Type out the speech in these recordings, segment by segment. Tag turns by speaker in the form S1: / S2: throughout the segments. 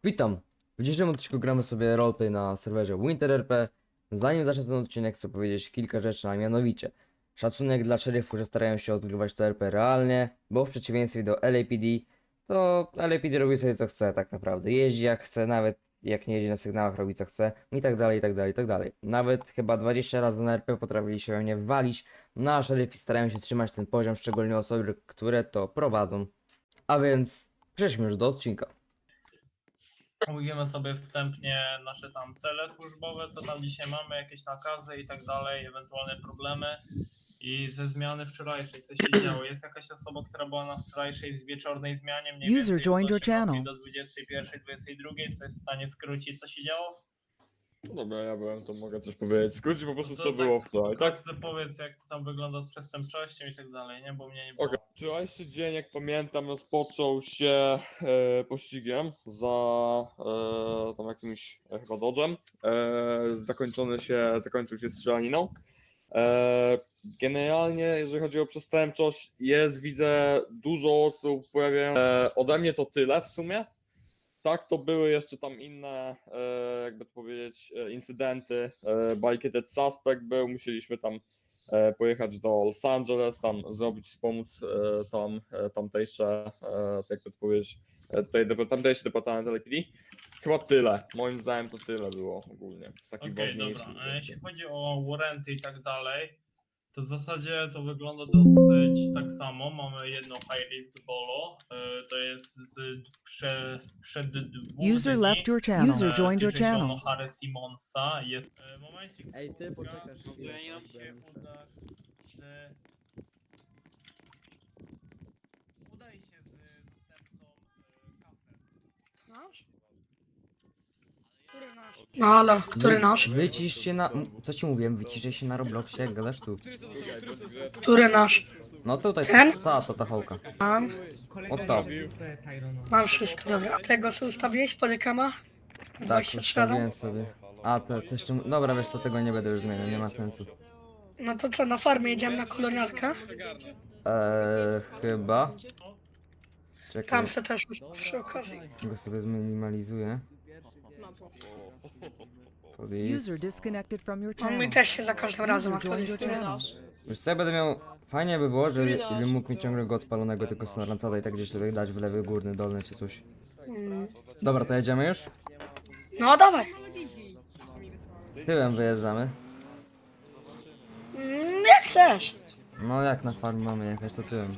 S1: Witam! W dzisiejszym odcinku gramy sobie roleplay na serwerze WinterRP. Zanim zacznę ten odcinek, chcę powiedzieć kilka rzeczy, a mianowicie szacunek dla szeryfów, że starają się odgrywać to RP realnie, bo w przeciwieństwie do LAPD, to LAPD robi sobie co chce tak naprawdę. Jeździ jak chce, nawet jak nie jeździ na sygnałach, robi co chce i tak dalej, i tak dalej, i tak dalej. Nawet chyba 20 razy na RP potrafili się mnie walić, no a szeryfi starają się trzymać ten poziom, szczególnie osoby, które to prowadzą. A więc przejdźmy już do odcinka.
S2: Omówimy sobie wstępnie nasze tam cele służbowe, co tam dzisiaj mamy, jakieś nakazy i tak dalej, ewentualne problemy i ze zmiany wczorajszej, co się działo. Jest jakaś osoba, która była na wczorajszej wieczornej zmianie, mniej
S3: User
S2: więcej
S3: joined
S2: od
S3: your
S2: 18
S3: channel.
S2: do 21, 22, co jest w stanie skrócić, co się działo?
S4: No dobra, ja byłem, to mogę coś powiedzieć. Skrócić po prostu
S2: To
S4: co było wczoraj, tak?
S2: Wkrótce powiedz, jak to tam wygląda z przestępczością i tak dalej, nie? Bo mnie nie było.
S4: Okej. Wczorajszy dzień, jak pamiętam, rozpoczął się pościgiem za tam jakimś chyba dodżem. Zakończył się strzelaniną. Generalnie, jeżeli chodzi o przestępczość, widzę, dużo osób pojawiają. Ode mnie to tyle w sumie. Tak, to były jeszcze tam inne, jakby to powiedzieć, incydenty. Biketed Suspect był, musieliśmy tam pojechać do Los Angeles, tam zrobić, wspomóc tamtejsze, jakby to powiedzieć, tamtejszy departament LAPD. Chyba tyle, moim zdaniem to tyle było ogólnie, z takich
S2: Okej,
S4: ważniejszych
S2: dobra.
S4: rzeczy.
S2: Jeśli chodzi o warranty i tak dalej, to w zasadzie to wygląda dosyć tak samo. Mamy jedno high risk bolo, to jest sprzed 2
S3: User
S2: dni.
S3: left your channel. User joined your
S2: Tyczy się
S3: channel.
S2: o Harry Simonsa. Jest momencik.
S5: Ej, ty poczekasz
S2: No
S5: chwilę,
S2: ja nie mam
S5: bo
S2: się
S5: ja muszę-
S2: uda, że... Udaje się z dostępcą kaset.
S6: Nasz? Który nasz? No halo, który nasz?
S1: Wycisz się na... Co ci mówiłem? Wyciszaj się na Robloxie, jak gadasz tu.
S6: Który nasz?
S1: No tutaj,
S6: Ten?
S1: ta Hołka.
S6: Mam,
S1: O co?
S6: mam wszystko, dobra. Tego co ustawiłeś, podykama?
S1: Tak,
S6: 23 Adam?
S1: ustawiłem sobie. A, to jeszcze... Dobra, wiesz co, tego nie będę już zmieniał, nie ma sensu.
S6: No to co, na farmie jedziemy na kolonialkę?
S1: Chyba. Czekaj,
S6: Tam se też przy okazji.
S1: go sobie zminimalizuję.
S3: User
S1: Police.
S3: disconnected from your
S6: No
S3: channel.
S6: mi też się za każdym razem
S3: User joined your
S6: aktualizuje.
S3: channel.
S1: Już sobie będę miał... Fajnie by było, żeby mógł mi ciągle go odpalonego, tylko snorlantada i tak gdzieś tutaj dać w lewy, górny, dolny czy coś.
S6: Mm.
S1: Dobra, to jedziemy już?
S6: No dawaj.
S1: Tyłem wyjeżdżamy.
S6: Jak chcesz.
S1: No jak na farm mamy jechać, to tyłem.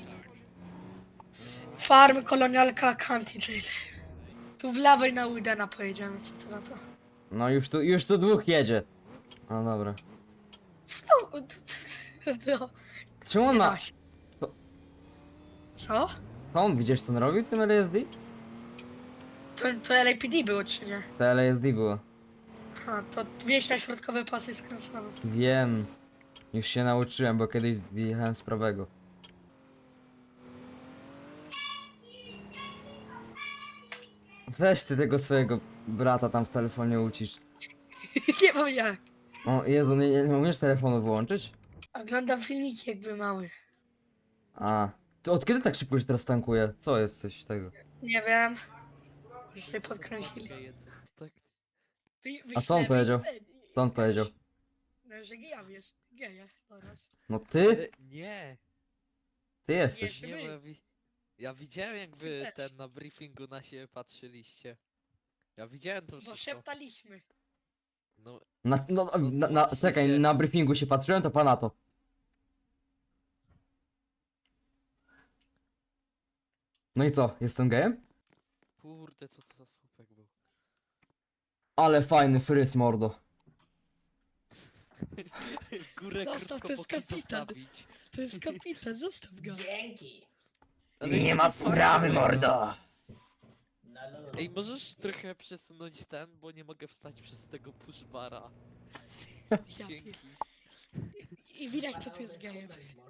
S6: Farm, kolonialka, county jail. Tu w lewej na Widena pojedziemy, co ty na to?
S1: No już tu dwóch jedzie. No dobra.
S6: To
S1: Czemu on
S6: nie
S1: ma...
S6: da się.
S1: Co?
S6: Co?
S1: On, widzisz co on robił tym LSD?
S6: To LAPD było czy nie?
S1: To LSD było.
S6: Aha, to wieś na środkowe pasy skręcamy.
S1: Wiem. Już się nauczyłem, bo kiedyś zjechałem z prawego. Weź ty tego swojego brata tam w telefonie ucisz.
S6: Nie wiem jak.
S1: O Jezu, nie umiesz telefonu wyłączyć?
S6: Oglądam filmiki jakby mały.
S1: A. To od kiedy tak szybko już teraz tankuje? Co jest coś tego?
S6: Nie wiem. Już się podkręcili.
S1: A co on powiedział? Co on powiedział?
S6: No, że geja wiesz. Geja teraz.
S1: No ty?
S7: Nie,
S1: Ty jesteś.
S6: Nie,
S7: nie, bo
S6: my.
S7: ja widziałem jakby
S6: Ty też.
S7: ten na briefingu na siebie patrzyliście. Ja widziałem to
S6: Bo
S7: wszystko.
S6: szeptaliśmy.
S7: No,
S1: Czekaj, na briefingu się patrzyłem, to pana to. No i co? Jestem gejem?
S7: kurde, co to za słupek był.
S1: Ale fajny fryz, mordo.
S7: Górę
S6: Zostaw,
S7: krótko
S6: to jest
S7: bokiem
S6: kapitan.
S7: zostawić.
S6: To jest kapitan, zostaw go.
S7: Ale
S1: ma
S7: to
S1: sprawy,
S7: fajne.
S1: mordo.
S7: Ej, możesz trochę przesunąć ten, bo nie mogę wstać przez tego pushbara.
S6: Ja
S7: Dzięki.
S6: I widać co tu jest gejem.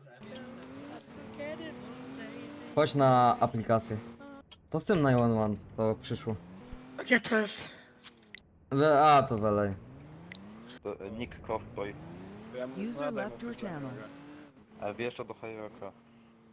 S1: Chodź na aplikację. To z tym 911, to przyszło.
S6: Gdzie to jest?
S1: A, to welej.
S8: Nick Cosplay.
S3: User left your channel.
S8: Wjeżdża do Hierarcha.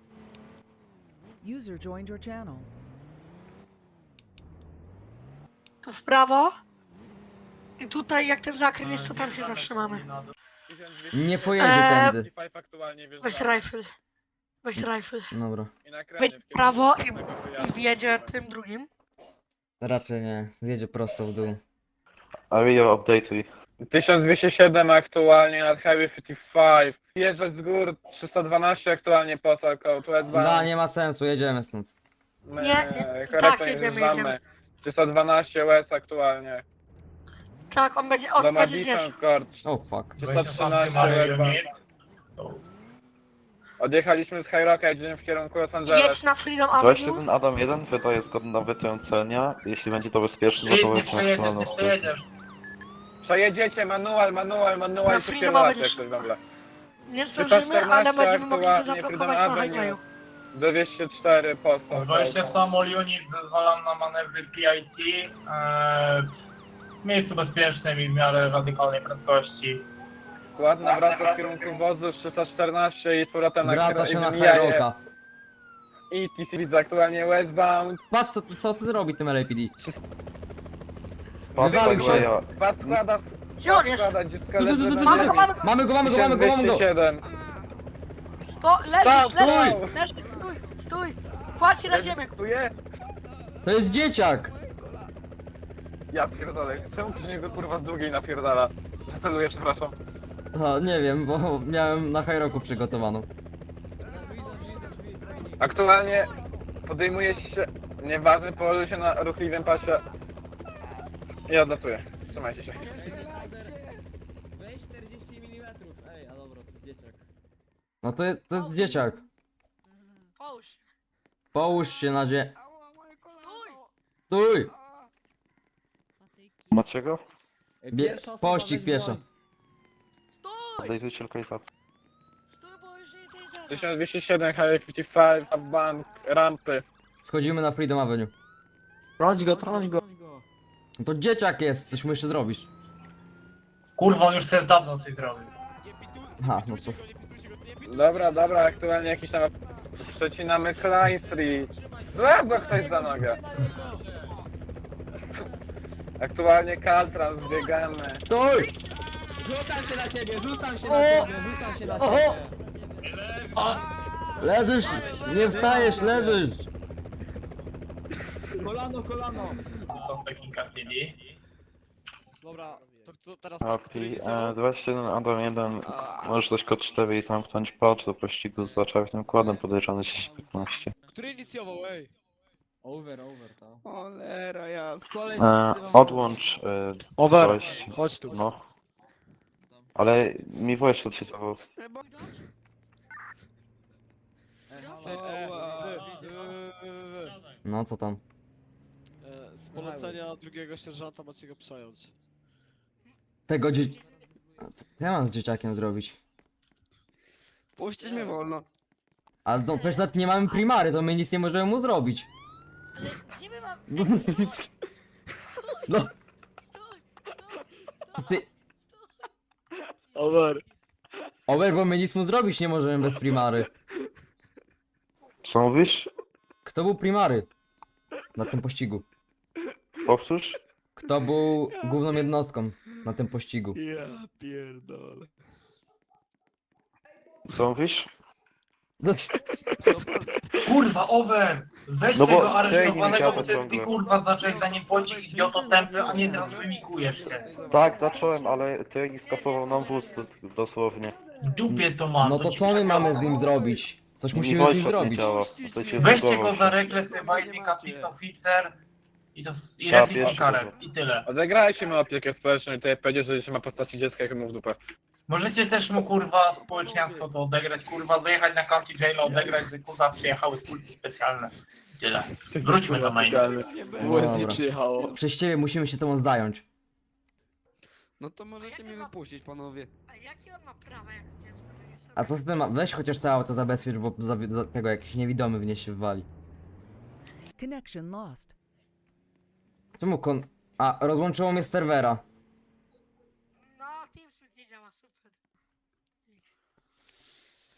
S3: User joined your channel.
S6: Tu w prawo. I tutaj jak ten zakręt jest, to tam się zatrzymamy.
S1: Nie pojedzie tędy.
S6: Weź rifle. Weź rifle.
S1: Dobra.
S6: Wejdź w prawo i wjedzie tym drugim.
S1: Raczej nie. Zjedzie prosto w dół.
S8: Area update.
S5: 1207 aktualnie nad Highway 55. Jeżdżać z gór 312 aktualnie posal code.
S1: Da, nie ma sensu, jedziemy stąd.
S6: Tak, jedziemy.
S5: 312 West aktualnie.
S6: Tak, on będzie zjeżdżał.
S5: Madison Court.
S1: Oh fuck.
S5: 313 West. Odjechaliśmy z High Rocka, jedziemy w kierunku Los Angeles.
S6: Jedź na Freedom Avenue.
S8: 21 Adam 1 wydaje zgodnie na wytrącenia. Jeśli będzie to bezpieczne, to
S2: Nie
S8: jest maksymalną
S2: przejedziesz.
S5: Przejedziecie, manual
S6: Na
S5: i
S6: Freedom
S5: przypierdolać
S6: Avenue.
S5: jak coś w ogóle.
S6: Nie zdążymy, ale będziemy mogli go
S5: aktualnie,
S6: zablokować
S5: Freedom
S6: na
S5: Avenue.
S6: highwayu.
S5: 204 postal
S2: 27 unit zezwalam na manewry PIT w miejscu bezpiecznym i w miarę radykalnej prędkości.
S5: Ładna wraca w kierunku wozu 314 i z powrotem na
S1: Wraca się na
S5: Mijaje.
S1: Hyroka.
S5: I TC widzę aktualnie westbound.
S1: Patrz co ty robi tym LAPD.
S8: Wywalił
S1: Wywalił się.
S8: się.
S5: Dwa składa,
S6: Gdzie on jest?
S5: składa, dziecko
S1: Tu, tu,
S5: leży
S1: tu, tu,
S5: na
S1: tu,
S6: Mamy
S5: ziemi.
S6: go, mamy go!
S1: Mamy go, mamy go, mamy go, mamy go!
S5: 1207.
S6: Leżysz,
S5: Stop,
S6: leżysz! Stój! Kładź się na ziemię!
S5: Tu jest?
S1: To jest dzieciak!
S5: Ja pierdolę, czemu ktoś mnie kurwa z drugiej napierdala? Celuję, przepraszam.
S1: A, nie wiem, bo miałem na Hyroku przygotowaną.
S5: Aktualnie podejmuje się, nieważne, położył się na ruchliwym pasie i odlatuję. Trzymajcie się.
S9: Weź 40 mm. Ej, a dobra, to jest dzieciak.
S1: No to jest dzieciak.
S6: Połóż!
S1: Połóż się na zie...
S6: Stój!
S1: Stój!
S8: Macie go?
S9: Pierwsza osoba
S1: Pościg
S9: weź
S1: pieszo.
S9: broń.
S6: Stój!
S8: Odejrzyjcie lokalizację.
S6: Stój, bo już nie zjeżdża.
S5: 1207, Highway 55, up bank, rampy.
S1: Schodzimy na Freedom Avenue.
S9: Trąć go.
S1: No to dzieciak jest, coś mu jeszcze zrobisz.
S2: Kurwa, on już chce dawno coś zrobić.
S1: Aha, no to...
S5: Dobra, aktualnie jakiś tam... Przecinamy Klein Street. Złap go ktoś za nogę. Aktualnie Caltrans, zbiegamy.
S1: Stój!
S9: Rzucam się na ciebie, rzucam się na
S1: Oho!
S9: ciebie.
S1: Leżysz! Nie wstajesz, leżysz!
S9: Kolano.
S2: Są Pekinka City.
S7: Dobra, to teraz tak, który
S8: Okej,
S7: inicjował?
S8: 21 Adam 1. Możesz dać kod 4 i zamknąć patch do pościgu z zaczarnym kładem podejrzany 10-15.
S7: Który inicjował, ej?
S9: Over, ta.
S10: Cholera jasna.
S9: Koleś
S8: Odłącz
S5: Over.
S8: coś,
S5: Chodź tu.
S8: no. Ale mi voice odczytywał.
S1: No co tam?
S7: Z polecenia drugiego sierżanta macie go przejąć.
S1: Tego dzieci... Co ja mam z dzieciakiem zrobić?
S10: Puścić mnie wolno.
S1: Ale no przecież nawet nie mamy primary, to my nic nie możemy mu zrobić.
S6: Ale gdzie my mamy...
S1: No. Ty...
S5: Over.
S1: Over, bo my nic mu zrobić nie możemy bez primary.
S8: Co mówisz?
S1: Kto był primary? Na tym pościgu.
S8: Powtórz?
S1: Kto był główną jednostką na tym pościgu?
S10: Ja pierdolę.
S8: Co mówisz?
S1: No,
S2: Kurwa, Over! Weź
S8: No bo
S2: tego
S8: zdejmij
S2: aresztowanego,
S8: mi
S2: bo ty
S8: ciągle.
S2: kurwa zacząłeś za nim płacić idioto tępy, a nie teraz wymikujesz się.
S8: Tak, zacząłem, ale trening skasował nam wóz dosłownie.
S2: W dupie to ma.
S1: no to
S2: ci
S1: co my mamy z
S2: kurwa?
S1: nim zrobić? Coś
S8: Mi
S1: musimy z nim
S8: voice nie
S1: zrobić.
S8: działa. To cię
S2: Weźcie
S8: zbugował
S2: go za
S8: się.
S2: rekles, Binding Captain Officer i
S8: Tak,
S2: Reflex
S8: jeszcze
S2: karet i tyle.
S5: Odegrajcie mu opiekę społeczną i tutaj powiedzieć, że się ma postaci dziecka jak mu w dupę.
S2: Możecie też mu kurwa społeczniactwo to odegrać, kurwa dojechać na county jail, odegrać, że kurwa przyjechały kulki specjalne. Tyle. Wróćmy do main.
S1: No dobra. Przez ciebie musimy się temu zająć.
S10: No to możecie mnie wypuścić, panowie.
S6: A jakie on ma prawa jak dziecko? To nie są...
S1: A co z tym ma? Weź chociaż to auto zabezpiecz, bo za tego jakiś niewidomy w nie się wwali.
S3: Connection lost.
S1: Czemu kon... A, rozłączyło mnie z serwera.
S6: No, TeamSpeak nie działa, super.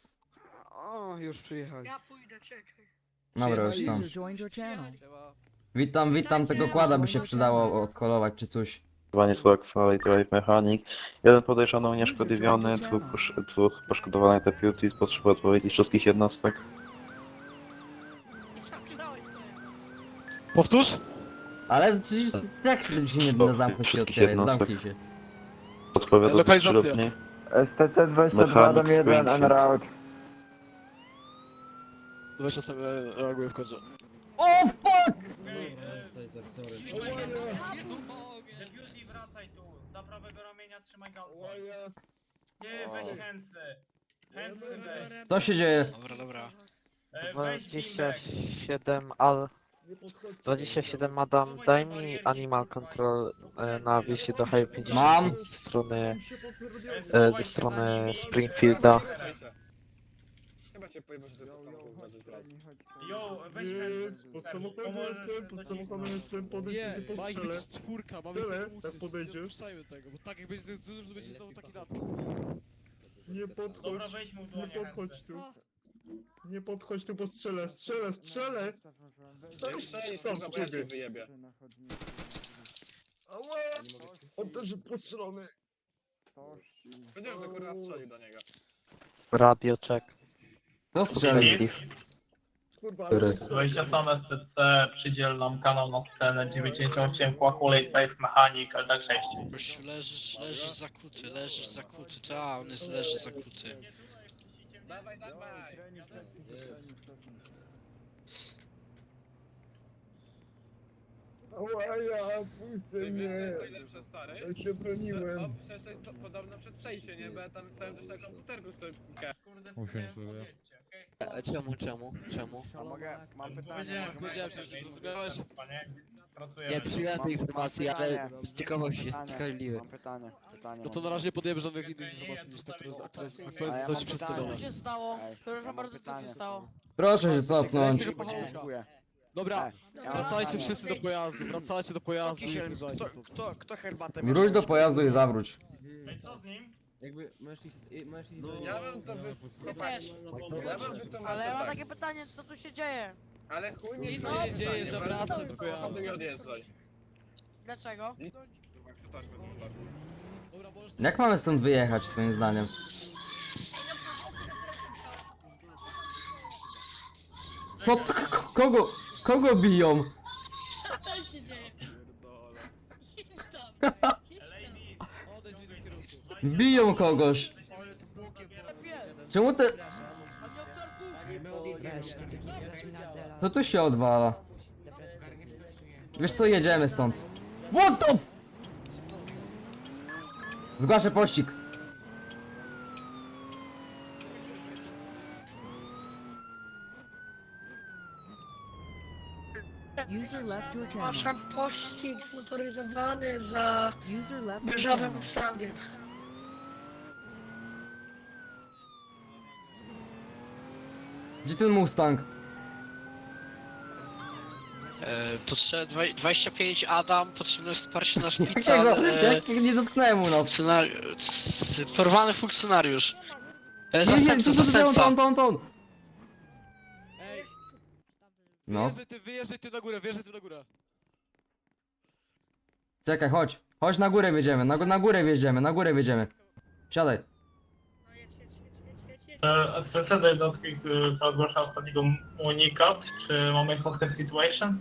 S10: O, już przyjechali.
S6: Ja pójdę, czekaj.
S1: Dobra, już
S10: Przyjechali.
S1: sam.
S3: User joined your channel.
S1: Witam, tego kłada by się przydało odkolować czy coś.
S8: Zwanie Suaxalej Drive Mechanic. Jeden podejrzany unieszkodliwiony, dwóch poszkodowanych deputies. Potrzebuję odpowiedzi wszystkich jednostek.
S7: Powtórz?
S1: Ale przecież jak się nie zamknąć się otwierać, zamknij się.
S8: Odpowiada
S7: Lokalizacja.
S8: 3 dni.
S5: STC-22 dam 1 en route.
S7: 20 sobie reaguje w końcu.
S1: O fuck!
S2: Deputy, wracaj tu. Za prawego ramienia trzymaj galkę. Nie, weź hęsy. Hęsy weź.
S1: Co się dzieje?
S2: Weź bimbek.
S7: 27 Adam, daj mi Animal Control na wieście do High 50
S1: Mam.
S7: ze strony Springfielda.
S10: Chyba cię pojebał, że to samochód uważasz raz.
S2: Jo, weź hęsy.
S10: Pod samochodem jestem,
S7: Nie, ma ich być czwórka, mamy tego uczyć, nie puszczajmy tego, bo tak jak będzie dużo, to będzie znowu taki natłok.
S10: Nie
S2: Dobra, weź mu w dłonie hęsy.
S10: Nie podchodź tu, bo strzelę!
S5: Nie strzelisz, kurwa, bo ja cię wyjebie.
S10: Ała! On też postrzelony!
S5: Powiedziałem, że kurwa strzelił do niego.
S7: Radio check.
S1: To strzeli.
S10: Kurwa,
S8: Który?
S2: 20 tam STC, przydziel nam kanał na scenę 98 Quackulate Safe Mechanic, LD6.
S11: Gościu, leżysz zakuty, ta, on leży zakuty.
S5: Dawaj!
S10: Ała, ja, puśćcie mnie!
S5: najlepsze, stary?
S10: Ja się broniłem!
S5: Przecież to podobno przez przejście, nie? Bo ja tam stałem też na komputerku sobie pikę.
S2: Kurde, powiedzcie, okej?
S11: Czemu?
S5: A mogę? Mam
S2: Powiedziałem, że zrozumiałeś. Panie, pracujemy.
S11: Nie przyjąłem tej informacji, ale z ciekawości jest ciekawie.
S10: Mam pytanie.
S7: No to na razie nie podjemy żadnych innych informacji niż te, które zostały ci przedstawione.
S6: Co się stało? Przepraszam bardzo, co się stało?
S1: Proszę się cofnąć.
S7: Dobra, wracajcie wszyscy do pojazdu, wracajcie do pojazdu i zjeżdżajcie stąd.
S10: Kto herbatę
S1: Wróć do pojazdu i zawróć.
S2: No i co z nim?
S9: Jakby możesz iść,
S5: Ja bym to wy...
S6: Też.
S5: Ja bym wytłumaczył
S6: Ale ja mam
S5: tak.
S6: takie pytanie, co tu się dzieje?
S5: Ale chuj mnie
S7: Nic
S5: to
S7: się nie dzieje,
S5: pytanie,
S7: zawracam
S5: wracam
S7: do
S5: do
S7: pojazdu.
S5: samochodu i odjeżdżaj.
S6: Dlaczego?
S5: Kurwa, taśmę zostawił.
S7: Dobra, możesz...
S1: Jak mamy stąd wyjechać twoim zdaniem? Co to? Kogo biją?
S6: Co się dzieje?
S2: Lady,
S7: Odejdź w innym kierunku.
S1: Biją kogoś. Czemu te... To tu się odwala. Wiesz co, jedziemy stąd. What the... Zgłaszę pościg.
S3: User left your channel.
S6: pościg motoryzowany za
S3: User left your
S6: Wyrzawem
S3: channel.
S6: Mustangie.
S1: Gdzie ten Mustang?
S11: Potrzebne 25 Adam, potrzebne wsparcie na
S1: Jakiego? Jak nie dotknąłem mu no.
S11: porwany funkcjonariusz.
S1: Nie, tu.
S7: Ej,
S1: No.
S7: wyjeżdżaj ty na górę.
S1: Czekaj, chodź. Chodź na górę wjedziemy, na górę wjedziemy. Siadaj.
S2: STC do jednostki, która ogłasza ostatniego unikat, czy mamy hostage situation?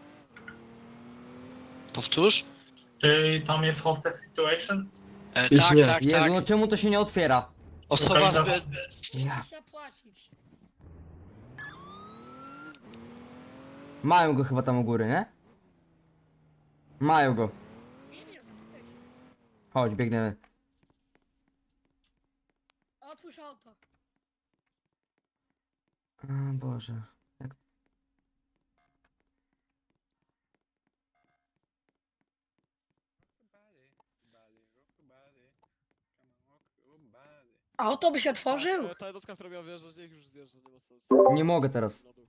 S11: Powtórz?
S2: Czy tam jest hostage situation?
S11: Tak.
S1: Jezu, no czemu to się nie otwiera?
S11: Osoba
S1: Ja.
S6: Zapłacić.
S1: Mają go chyba tam u góry, nie? Mają go.
S6: Nie wiem, zapytaj się.
S1: Chodź, biegniemy.
S6: Otwórz auto.
S1: O Boże. Jak...
S6: Auto by się otworzył?
S7: Ta jednostka, która miała wjeżdżać, niech już zjeżdża, nie ma sensu.
S1: Nie mogę teraz.
S7: Na dół.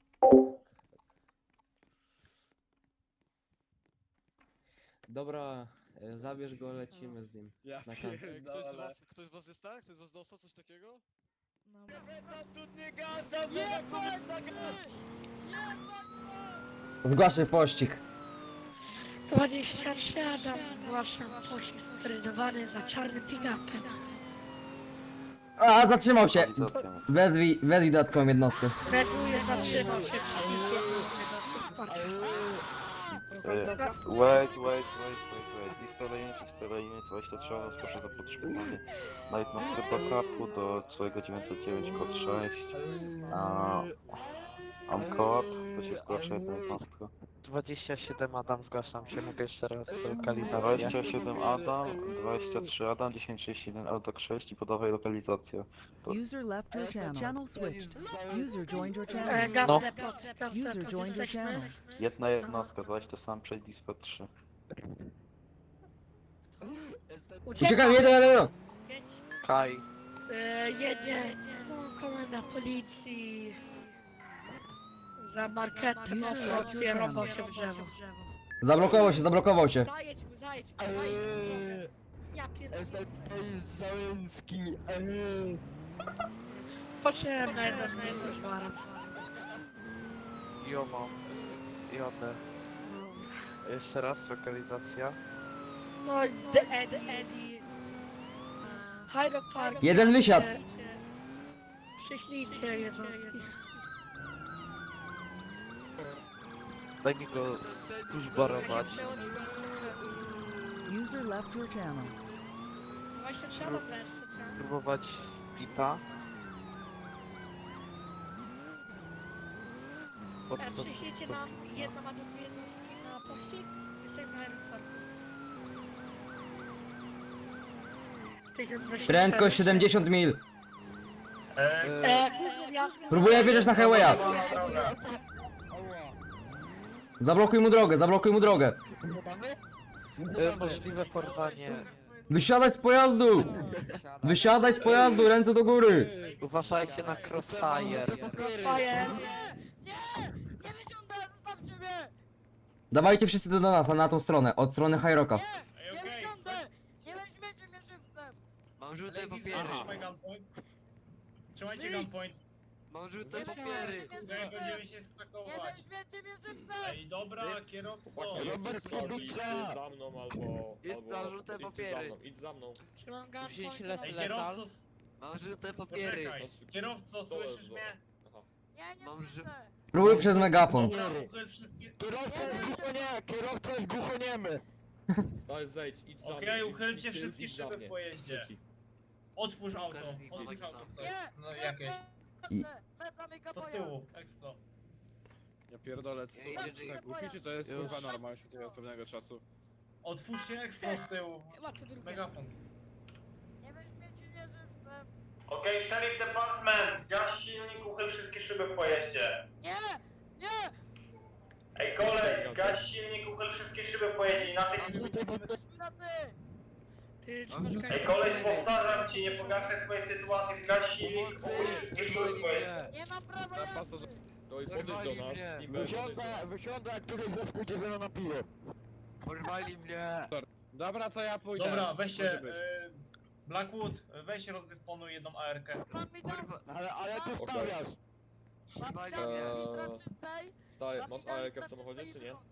S9: Dobra, zabierz go, lecimy z nim.
S5: Ja
S9: Na kanał.
S7: Ktoś z was jest tak? Ktoś z was dostał coś takiego?
S1: Zgłaszę pościg.
S6: 23 Adam, zgłaszam pościg motoryzowany za czarnym pick-upem.
S1: A, zatrzymał się!
S8: Lokalizacja.
S1: Wezwij dodatkową jednostkę.
S6: Reduje, zatrzymał się
S8: Wait. Dispara unit 23, proszę za potrzebowanie na jednostkę backupu do swojego 909 kod 6. Amcoop, to się zgłasza jedna jednostka.
S7: 27 Adam, zgłaszam się, mogę jeszcze raz lokalizację.
S8: 27 Adam, 23 Adam, 1061 Eldok 6 i podawaj lokalizację.
S3: User left your channel. Channel switched. User joined your
S6: No.
S3: channel. User joined your channel.
S8: Jedna jednostka, zaś to sam przejść Dispar 3.
S1: Uciekam, jeden!
S7: Kaj.
S6: Jedzie komenda policji za marketem
S3: User left your
S6: otwierał
S3: channel.
S6: się w drzewo.
S1: Zablokował się.
S6: Zajedź mu. Ja pierdolę. Potrzebna jednostka zwara.
S7: Jo mam. Jadę. Jeszcze raz lokalizacja.
S6: No, The Eddie. Hyde Park.
S1: Jeden wysiadł.
S6: Przyślijcie jednostki.
S7: Daj mi go pushbarować.
S3: User left your channel.
S7: Próbować pita.
S6: Przyślijcie nam jedną albo dwie jednostki na pościg. Jesteśmy na aeroportu.
S1: Prędkość 70 mil. Próbuję wjeżdżać na highwaya. Zablokuj mu drogę.
S7: Możliwe porwanie.
S1: Wysiadaj z pojazdu, ręce do góry.
S7: Uważajcie na crossfire.
S1: Dawajcie wszyscy do nas, na tą stronę, od strony High Rocka.
S2: Ej, okej.
S11: Mam żółte
S2: Trzymaj gunpoint. Trzymajcie gunpoint.
S11: Mam żółte papiery.
S2: Tutaj będziemy się stakować. Ej, dobra, kierowco.
S4: Chłopaki, idź za mną albo...
S11: Jest na żółte papiery.
S4: Idź za mną.
S6: Trzymam
S7: Wziąć
S6: gunpoint.
S2: Ej,
S7: letal.
S2: kierowco,
S11: Mam żółte papiery.
S2: poczekaj. Kierowco, słyszysz mnie?
S4: Aha.
S11: Mam żółte.
S1: Próbuj przez megafon.
S2: Dobra, uchyl wszystkie...
S4: Stary, zejdź, idź za
S2: Okej,
S4: mnie.
S2: uchylcie
S4: Idź
S2: wszystkie
S4: za
S2: szyby
S4: mnie.
S2: w pojeździe.
S4: Trzeci.
S2: Otwórz auto.
S11: Każdy ma
S2: Otwórz
S11: tak
S2: auto.
S11: samo.
S2: ktoś. No jakie?
S1: I-
S2: To z tyłu, eksplo.
S10: Ja pierdolę, co
S11: Ej,
S10: jest tak głupi, czy to jest
S11: Już.
S10: kurwa norma już od pewnego czasu?
S2: Otwórzcie eksplo z tyłu. Megafon. Okej, Sheriff Department, gaś silnik, uchyl wszystkie szyby w pojeździe. Ej, kolej, gaś silnik, uchyl wszystkie szyby w pojeździe, inaczej...
S6: Ty trzymasz
S2: Ej, kolej, powtarzam ci, nie pogarszaj swojej sytuacji, gaś silnik, uchyl wszystkie szyby w pojeździe.
S10: Na pasażer...
S4: To i podejdź do nas i
S11: Porwali mnie.
S10: Dobra, to ja pójdę.
S2: Dobra,
S10: Może
S2: weźcie,
S10: być.
S2: Blackwood, weź rozdysponuj jedną AR-kę.
S11: Ale tu
S4: stawiasz.
S11: Porwali mnie.
S4: Stary, masz AEK w samochodzie, czy nie?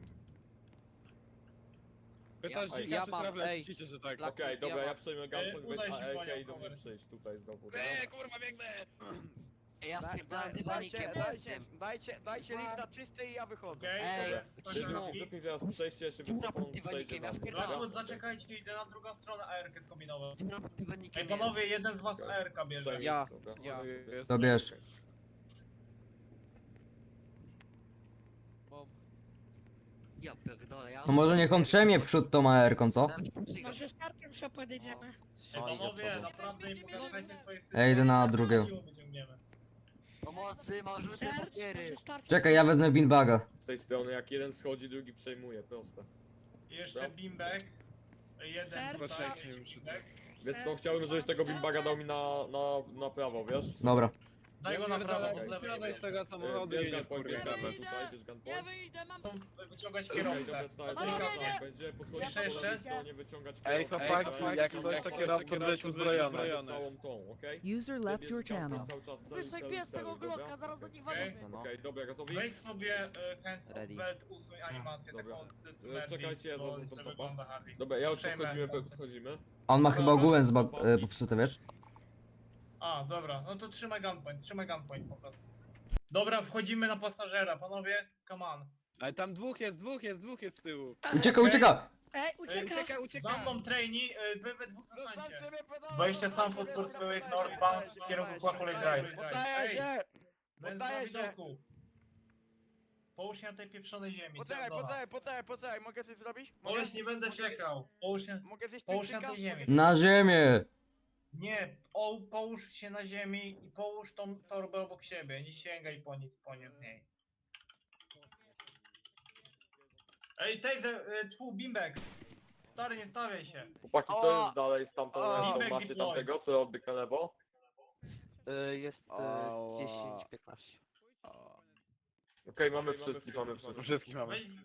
S10: Pytasz
S4: Ej,
S10: dzika,
S7: ja
S10: czy
S7: mam,
S10: strawle,
S7: ej.
S10: ciszę, że tak.
S7: Black-
S4: Okej, dobra,
S7: ja
S4: ja
S7: mam-
S4: przejmę gunpoint, weź
S2: udaj się,
S4: AEK
S2: panią
S4: i do mnie
S2: cover.
S4: przyjść tutaj znowu.
S10: Kurwa, biegnę!
S11: Ja spierdalam dywanikiem jestem.
S5: Dajcie list za czysty i ja wychodzę.
S2: Okej,
S11: Ej,
S2: teraz
S11: Szymon.
S4: Lepiej teraz przejście, żeby
S11: Dobra,
S4: cofnąć
S11: dywanikiem,
S4: przejdzie
S11: ja
S4: na-
S11: spierdalam.
S2: Blackwood, zaczekajcie, idę na drugą stronę AR-kę skombinować.
S11: Dywanikiem
S2: Ej, panowie, jeden z was AR-ka bierze.
S4: Przejmij,
S7: Ja.
S4: dobra.
S7: Ja.
S10: Jest-
S1: To bierz.
S7: Mam.
S11: Ja pierdolę, ja...
S1: No może niech on trzemie przód tą AR-ką, co?
S6: Może startem się podejdziemy.
S2: Ej, panowie, naprawdę nie pogarszajcie swojej sytuacji.
S1: Ja idę na drugiego.
S2: Siłą wyciągniemy.
S11: Pomocy, mam żółte papiery.
S6: Może startem.
S1: Czekaj, ja wezmę beanbaga.
S4: Z tej strony, jak jeden schodzi, drugi przejmuje, proste.
S2: I jeszcze
S4: Dobra.
S2: beanbag. Jeden tutaj,
S10: Poczekaj, muszę
S2: beanbag.
S4: Wiesz co, chciałbym, żebyś tego beanbaga dał mi na prawo, wiesz?
S1: Dobra.
S2: Daj go na prawo, bo z lewej
S9: Wsiadaj z tego samochodu,
S4: Bierz
S9: jedziesz
S4: gunpoint, bierz
S9: kurwa.
S4: gunpoint tutaj, bierz
S6: Nie
S4: gunpoint.
S6: wyjdę, mam...
S2: Wyciągać
S4: Okej,
S2: kierowcę.
S4: dobra, stary,
S6: Panowie,
S4: czekaj,
S6: nie!
S4: będzie podchodzić
S2: Jeszcze,
S4: po
S2: jeszcze?
S4: lewej stronie, wyciągać
S5: Ej,
S4: kierowcę.
S5: chłopaki,
S4: Okej,
S5: jak
S4: są
S5: ktoś
S4: tam
S5: to
S4: jeszcze
S5: kierowcę leci uzbrojony.
S4: całą tą, okej?
S3: User left
S4: Bierz
S3: your
S4: gunpoint
S3: channel.
S4: cały czas, celuj,
S6: Wyszek
S4: celuj,
S6: pies tego
S4: celuj, dobra?
S6: glocka, zaraz do nich
S2: Okej.
S6: walimy.
S4: Okej, dobra, gotowi?
S2: Weź sobie hands
S1: Ready.
S2: of belt, usuń animację
S4: Dobra.
S2: taką
S4: Czekajcie, ja zaznaczam
S2: źle
S4: topa.
S2: wygląda Harley.
S4: Dobra, ja już
S2: Przejmę.
S4: podchodzimy.
S1: On ma chyba ogółem popsute, wiesz?
S2: A, dobra, no to trzymaj gunpoint po prostu. Dobra, wchodzimy na pasażera, panowie, come on.
S9: Ale tam dwóch jest z tyłu.
S1: Ucieka,
S2: Okej.
S1: ucieka!
S6: Ej, ucieka!
S2: Za mną trainee, wy we dwóch zostańcie. Wejście sam pod Surfway Northbound w kierunku Quackole Drive.
S5: Poddaję się!
S2: Więc
S5: Poddaję
S2: na
S5: się.
S2: widoku. Połóż się na tej pieprzonej ziemi.
S5: Poczekaj, mogę coś zrobić?
S2: Połóż, nie będę czekał.
S5: Mogę zjeść
S2: Połóż się na tej ziemi.
S1: Na ziemię!
S2: Nie, połóż się na ziemi i połóż tą torbę obok siebie. Nie sięgaj po nic z niej. Ej, Taser, Bimbek. Stary, nie stawiaj się.
S4: Chłopaki,
S5: O!
S4: to jest dalej z tamtą
S5: O!
S4: ręką,
S2: Feedback
S4: macie
S2: deploy.
S4: tamtego, co odbyka lewo?
S8: Jest
S5: Ała.
S8: 10-15.
S4: Okej, mamy wszystkich,
S5: Wszystkich mamy.
S2: Weź,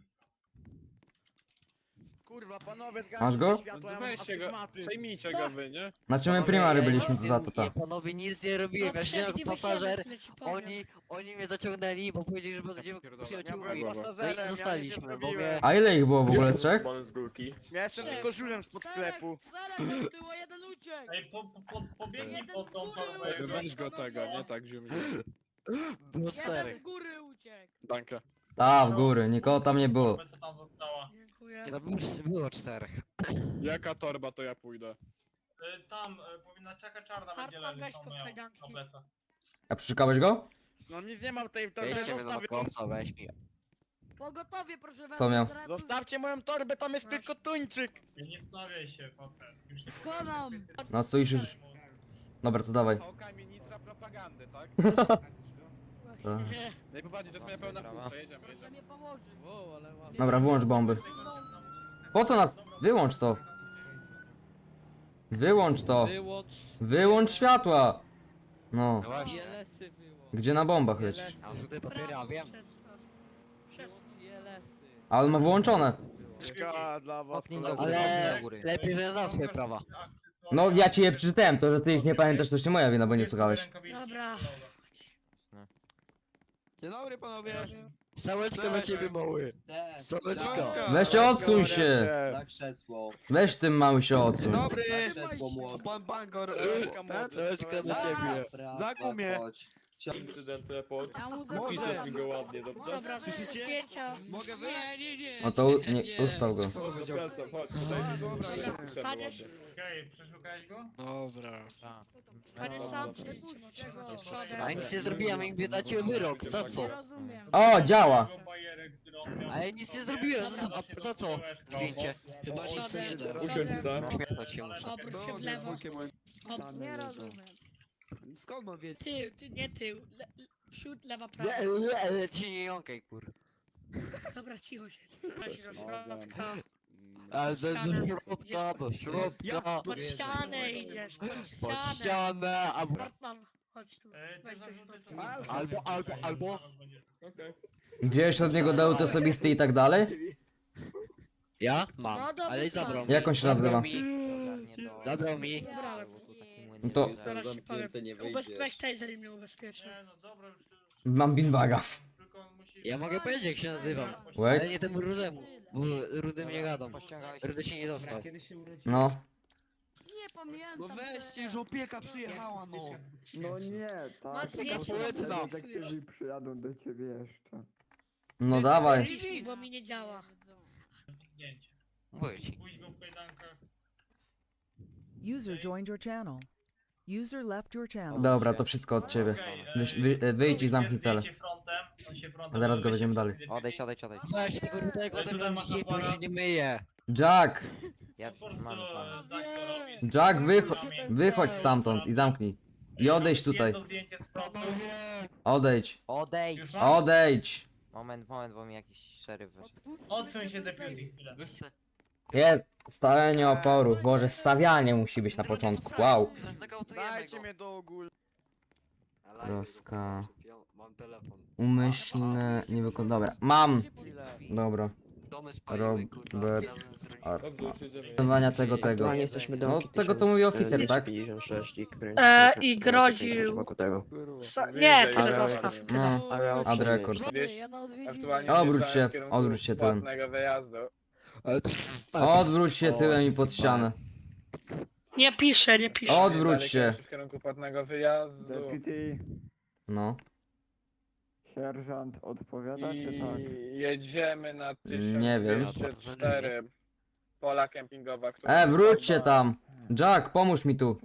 S5: Kurwa, panowie,
S1: Masz go?
S5: światło, ja mam
S9: Weźcie go,
S5: astygmaty.
S9: przejmijcie go wy, nie?
S1: Znaczy my primary byliśmy, to za to ta.
S7: Panowie, nic nie robiłem, ja siedziałem jako pasażer.
S6: Oni...
S7: Oni mnie zaciągnęli, bo powiedzieli, że będziemy
S9: pierdolę.
S7: przyjaciółmi.
S5: Ja byłem pasażerem,
S7: No i
S5: ja
S7: zostaliśmy,
S5: nic nie
S7: bo mnie...
S5: zrobiłem.
S1: A ile ich było w ogóle, trzech?
S4: Z górki.
S5: Ja jestem tylko żulem spod sklepu.
S6: Czterech było, jeden uciekł!
S2: ej, pobiegnij
S6: Jeden
S2: pod tą
S6: w górę
S2: torbę.
S6: uciekł.
S9: Weź go tego, nie tak ziumi.
S7: Było
S6: Jeden
S7: czterech.
S6: z góry uciekł!
S9: Dankę.
S1: Ta, w góry, nikogo tam nie było.
S2: Co tam została?
S6: Dziękuję.
S7: Nie, no było czterech.
S9: Jaka torba, to ja pójdę.
S2: Tam powinna czeka czarna będzie
S6: Hartman,
S2: leżeć
S6: weź
S2: tam
S6: to w
S2: miał
S6: kajdanki.
S2: na plecach.
S1: A przyszukałeś go?
S5: No nic nie mam w tej torbie,
S7: Weźcie mnie do
S5: zostawiam.
S7: kosa, weź mi.
S6: Pogotowie, proszę was.
S1: Co miał?
S6: zaraz tu-
S5: Zostawcie moją torbę, tam jest tylko tuńczyk.
S2: I nie stawiaj się, facet. Już nie
S6: Skonam.
S1: No stoisz już. Dobra, to dawaj.
S9: Oka ministra propagandy, tak?
S6: Nie,
S9: No i popatrzcie, to jest moja pełna
S7: Brawa.
S9: funkcja, jedziemy,
S6: proszę
S9: jedziemy.
S6: mnie pomoże.
S7: Wow, ale ładnie.
S1: Dobra, wyłącz bomby. Po co nas? Wyłącz to. Wyłącz to.
S7: Wyłącz...
S1: Wyłącz światła. No.
S7: Właśnie. Jelesy wyłącz.
S1: Gdzie na bombach lecisz?
S7: Jelesy. A tutaj papiery, a wiem.
S6: Przestaw.
S7: Wyłącz jelesy.
S1: Ale on ma wyłączone.
S5: Szkoda dla was.
S7: Oknij
S5: koledzy.
S7: Ale lepiej, że ja znam swoje prawa.
S1: No ja ci je przeczytałem, to że ty ich nie pamiętasz to już nie moja wina, bo nie słuchałeś.
S6: Dobra.
S10: Dzień dobry panowie.
S7: Sałeczka dla ciebie, mały. Sałeczka.
S1: Weź się odsuń się.
S10: Na krzesło.
S1: Weź tym mały się odsuń.
S5: Dobry.
S10: Krzesło młody.
S5: Pan Bangor.
S7: Sałeczka dla ciebie.
S5: Zakuł mnie.
S4: Incydent report.
S6: Ja mu
S4: Piszesz mi go ładnie, dobrze?
S6: Dobra,
S5: Słyszycie?
S6: zdjęcia.
S5: Mogę wyjść?
S11: Nie.
S1: No to ustaw go.
S4: Zapraszam, chodź, tutaj
S6: Staniesz?
S2: Okej, przeszukałeś go?
S11: Dobra.
S6: Staniesz sam? Przepuśćcie go.
S7: A ja nic nie zrobiłem, im dacie wyrok. Za co?
S6: Rozumiem.
S1: O, działa.
S7: A ja nic nie zrobiłem, za co? Zdjęcie.
S11: Chyba nic nie da.
S4: Usiądź se.
S7: Śmiechnąć się muszę.
S6: Obróć się w lewo.
S3: Nie rozumiem.
S10: Skąd mam wiedzieć?
S6: Tył, nie tył. Przód, lewa, prawa.
S7: Ale ci nie jąkaj, kur.
S6: Dobra, cicho się. Chodź do środka.
S7: Ale do środka.
S6: Pod ścianę idziesz. Pod
S7: Pod
S6: ścianę.
S7: ścianę, albo...
S6: Bartman, chodź tu. Weź do środka.
S7: Albo...
S4: Okej.
S1: Wziąłeś od niego dowód osobisty i tak dalej?
S7: Ja? Mam.
S6: No dobra,
S7: Ale i zabrał mi.
S1: Jak on się nazywa?
S7: Zabrał mi.
S6: Zabrałem.
S1: No to
S6: Zaraz ci powiem. Weź taser i mnie ubezpieczy.
S2: Nie, no dobra, już
S1: mam binbaga.
S2: tylko musisz...
S7: Ja mogę powiedzieć, jak się nazywam.
S1: Wait.
S7: Ale nie temu rudemu. Bo rudym nie gadam. Rudy się nie dostał.
S1: No.
S6: Nie pamiętam.
S10: No weźcie, już opieka przyjechała, no.
S12: No nie,
S6: Masz
S12: tak.
S6: zdjęcie,
S7: społeczna.
S12: Detektywi przyjadą do ciebie jeszcze.
S1: No dawaj.
S6: Pisz, bo mi nie działa.
S2: Zdjęcie.
S7: Mówię ci.
S2: Pójdź go w kajdankach.
S3: User joined your channel. User left your channel.
S1: Dobra, to wszystko od ciebie. Wyjdź i zamknij cele.
S2: Zdjęcie frontem, on się frontem
S1: A zaraz go
S2: odwróci,
S1: weźmiemy dalej.
S2: odejdź.
S7: Weź tego rudego,
S2: Ale
S7: ten
S2: tutaj
S7: tam
S2: masz
S7: je, bo
S2: aparat.
S7: się nie myje.
S1: Jack!
S2: Po prostu, tak to robisz.
S1: Jack, wychodź stamtąd i zamknij. I odejdź tutaj.
S2: Jedno zdjęcie z frontu.
S1: Odejdź.
S2: Już mam?
S1: Odejdź.
S13: Moment, bo mi jakiś szeryf wyszedł.
S2: Odsuń się deputy chwilę.
S1: Jest stawianie oporu. Boże, stawianie musi być na początku. Wow.
S5: Dajcie mnie do ogółu.
S1: Troska. Umyślne, nie Dobra, mam! Dobra. Robert.
S4: Dobrze, już jedziemy.
S1: Wykonywania tego. No tego co mówi oficer, tak?
S6: I groził... Nie, tyle zostaw, tyle.
S1: No, ad record.
S5: Aktualnie
S1: Obróć
S5: wjeżdżałem
S1: się,
S5: w kierunku
S1: odwróć się tyłem.
S5: płatnego wyjazdu.
S1: Odwróć się tyłem i pod ścianę.
S6: Nie piszę, nie piszę.
S1: Odwróć
S5: Dalej
S1: się.
S5: W kierunku płatnego wyjazdu.
S12: Deputy,
S1: No.
S12: sierżant odpowiada,
S5: I
S12: czy tak?
S5: jedziemy na
S1: Nie wiem.
S5: 1204. Pola kempingowa, która...
S1: Wróć się tam! Jack, pomóż mi tu.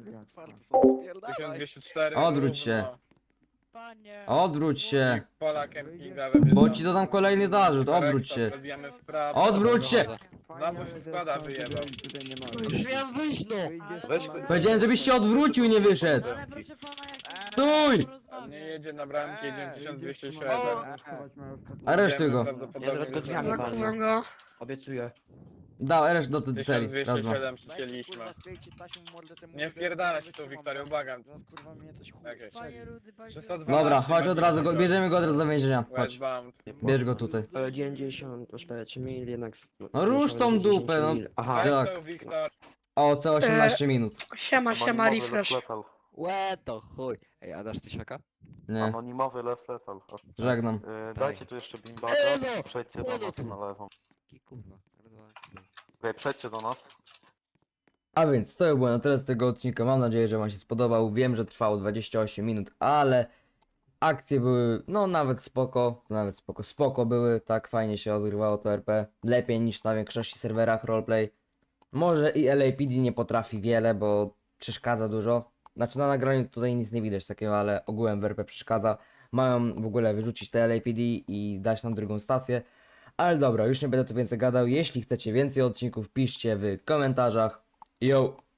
S5: 1204.
S1: Odwróć się.
S5: równo.
S1: Odwróć się.
S5: Pola kempingowe.
S1: Bo ci dodam kolejny zarzut, odwróć się.
S5: Odbijamy w prawo.
S1: Odwróć się!
S5: Znowu się składa, wyjebał.
S12: Tutaj nie ma.
S7: Już miałem wyjść, no!
S1: Powiedziałem, żebyś się odwrócił, nie wyszedł.
S6: Ale proszę pana, jak...
S1: Stój!
S5: Nie jedzie na bramkę, jedzie 1207.
S12: Aresztować moją ostatnią-
S1: Aresztuj go.
S6: Zakuwam go.
S8: Obiecuję.
S1: Dał areszt do tej serii. Raz, dwa.
S5: 1207 przycięliśmy. Nie wpierdala się tu, Wiktorio, błagam. Okej.
S6: Panie Rudy, panie...
S5: 312
S1: Dobra, chodź od razu, bierzemy go od razu do więzienia. Chodź,
S5: Westbound.
S1: bierz go tutaj.
S8: 94 mil, jednak...
S1: No rusz tą dupę, no.
S8: Aha,
S1: Tak.
S5: Weź to, Wiktor.
S1: O, co 18 minut.
S6: Siema, refresh.
S7: Łe to chuj. Ej, a dasz tysiaka?
S1: Nie,
S8: Anonimowy les letal.
S1: żegnam.
S8: Dajcie tu jeszcze bimbata i przejdźcie do nas na lewą.
S7: Kurwa,
S8: Okej, przejdźcie do nas.
S1: A więc to było na tyle z tego odcinka. Mam nadzieję, że wam się spodobał. Wiem, że trwało 28 minut, ale akcje były no nawet spoko były. Tak fajnie się odgrywało to RP. Lepiej niż na większości serwerach roleplay. Może i LAPD nie potrafi wiele, bo przeszkadza dużo. Znaczy na nagraniu tutaj nic nie widać takiego, ale ogółem w RP przeszkadza. Mają w ogóle wyrzucić te LAPD i dać nam drugą stację. Ale dobra, już nie będę tu więcej gadał. Jeśli chcecie więcej odcinków, piszcie w komentarzach. Yo!